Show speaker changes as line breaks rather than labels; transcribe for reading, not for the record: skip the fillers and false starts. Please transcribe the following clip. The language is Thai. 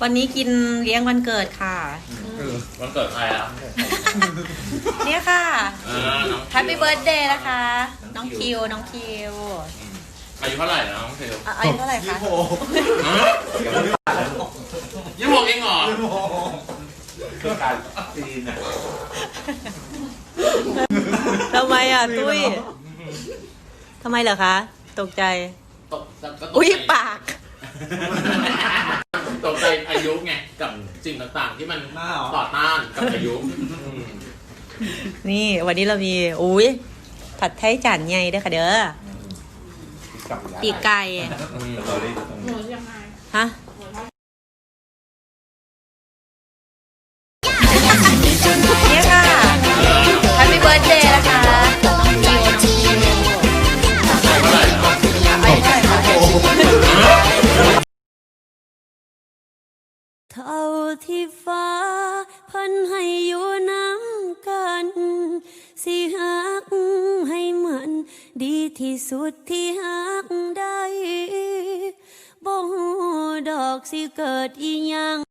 วันนี้กินเลี้ยงวันเกิดค่ะ
วันเกิดใครอ่ะ
เนี่ยค่ะ
น้อง
แฮปปี้เบิร์ดเดย์นะคะ น้องคิว น้องคิว
อายุเท่าไหร่นะน้องเทล
อายุเท่าไหร่คะ
26เองเหรอ
คือการจีนอ่ะ
ทำไมอ่ะ ตุ้ยทำไมเหรอคะ ตกใจ
ตกใจ
อุ้ยปาก
ตกใจอายุไงกับสิ่งต่างๆ ที่มันต่อต้านกับอายุ
นี่วันนี้เรามีอุ้ยผัดไทยจานใหญ่ด้วยค่ะเด้อปีกไก่ฮะเนี่ยค่ะแฮปปี้เบิร์ดเดย์นะคะน้องคิวอายุเท่าไหร่คะเท่าที่ฟ้าเพิ่นให้อยู่น้ำกันสิฮักให้เหมือนดีที่สุดที่ฮักได้บ่ฮู้ดอกสิเกิดอีหยัง